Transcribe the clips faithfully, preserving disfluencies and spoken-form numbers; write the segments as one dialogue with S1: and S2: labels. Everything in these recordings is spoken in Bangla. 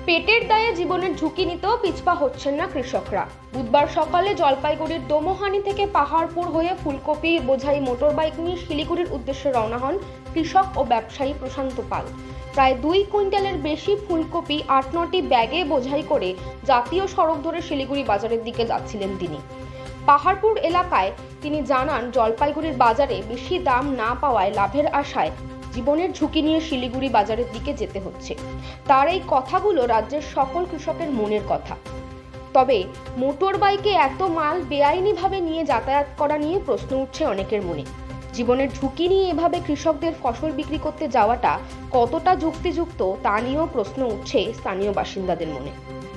S1: পেটের দায়ে জীবনের ঝুঁকি নিতেও পিছপা হচ্ছেন না কৃষকরা। বুধবার সকালে জলপাইগুড়ির দোমোহানি থেকে পাহাড়পুর হয়ে ফুলকপি বোঝাই মোটরবাইক নিয়ে শিলিগুড়ির উদ্দেশ্যে রওনা হন কৃষক ও ব্যবসায়ী প্রশান্ত পাল। প্রায় দুই কুইন্টালের বেশি ফুলকপি আট নটি ব্যাগে বোঝাই করে জাতীয় সড়ক ধরে শিলিগুড়ি বাজারের দিকে যাচ্ছিলেন তিনি। পাহাড়পুর এলাকায় তিনি জানান, জলপাইগুড়ির বাজারে বেশি দাম না পাওয়ায় লাভের আশায় জীবনের ঝুঁকি নিয়ে শিলিগুড়ি বাজারের দিকে যেতে হচ্ছে। তার এই কথাগুলো রাজ্যের সকল কৃষকের মনের কথা। তবে মোটর বাইকে এত মাল বেআইনিভাবে নিয়ে যাতায়াত করা নিয়ে প্রশ্ন উঠছে অনেকের মনে। জীবনের ঝুঁকি নিয়ে এভাবে কৃষকদের ফসল বিক্রি করতে যাওয়াটা কতটা যুক্তিযুক্ত তা নিয়েও প্রশ্ন উঠছে স্থানীয় বাসিন্দাদের মনে।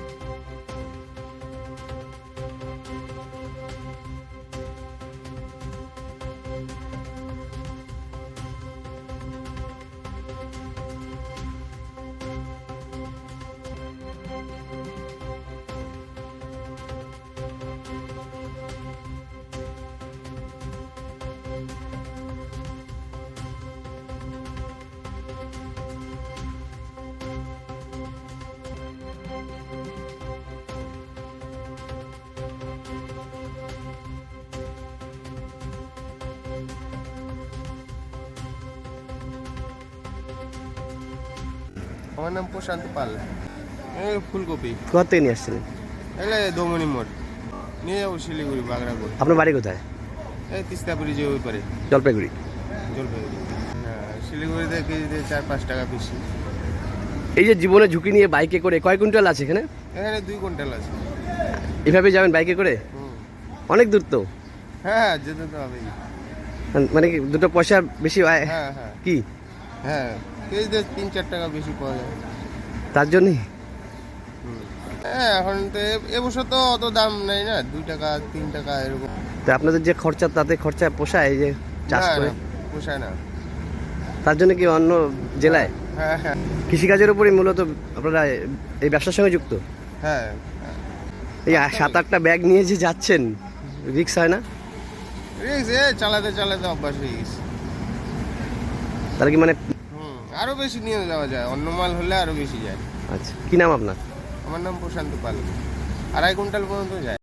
S2: আমার নাম প্রশান্ত পাল। এই ফুলকপি
S3: কোথা থেকে নিয়ে আসছিলেন?
S2: এলে দোমনি মোড় নিয়ে যাবো শিলিগুড়ি বাগড়াপুর।
S3: আপনার বাড়ি কোথায়?
S2: এই তিস্তাপুরি যে ওই পারে
S3: জলপাইগুড়ি।
S2: জলপাইগুড়ি। হ্যাঁ, শিলিগুড়িতে কেজিতে চার পাঁচ টাকা বেশি।
S3: এই যে জীবনে ঝুঁকি নিয়ে বাইকে করে কয় কুইন্টাল আছে এখানে?
S2: এখানে দুই কুইন্টাল আছে।
S3: এভাবে যাবেন বাইকে করে?
S2: হুম।
S3: অনেক দূর তো।
S2: হ্যাঁ, যেতে তো হবেই।
S3: মানে কি দুটো পয়সা বেশি হয়?
S2: হ্যাঁ হ্যাঁ
S3: কি
S2: হ্যাঁ, কেজিতে তিন চার টাকা বেশি পাওয়া যায়।
S3: তার জন্যই?
S2: হ্যাঁ, এখন তো এ- এবছর তো অত দাম নেই না, দুই টাকা তিন টাকা এরকম।
S3: তো আপনাদের যে খরচা, তাতে খরচা পোষায় এই যে চাষ
S2: না,
S3: করে?
S2: না, পোষায় না।
S3: তার জন্য কি অন্য জেলায়
S2: হ্যাঁ হ্যাঁ
S3: কৃষিকাজের উপরই মূলত আপনারা এই ব্যবসার সঙ্গে যুক্ত?
S2: হ্যাঁ,
S3: এই সাত আটটা ব্যাগ নিয়ে যে যাচ্ছেন, রিক্স হয় না?
S2: রিক্স, এ চালাতে চালাতে অভ্যাস হয়ে গেছে।
S3: তাহলে কি মানে?
S2: হুম, আরো বেশি নিয়ে যাওয়া যায়, অন্য মাল হলে আরো বেশি যায়।
S3: আচ্ছা, কি নাম আপনার?
S2: আমার নাম প্রশান্ত পাল। আড়াই কুইন্টাল পর্যন্ত যায়।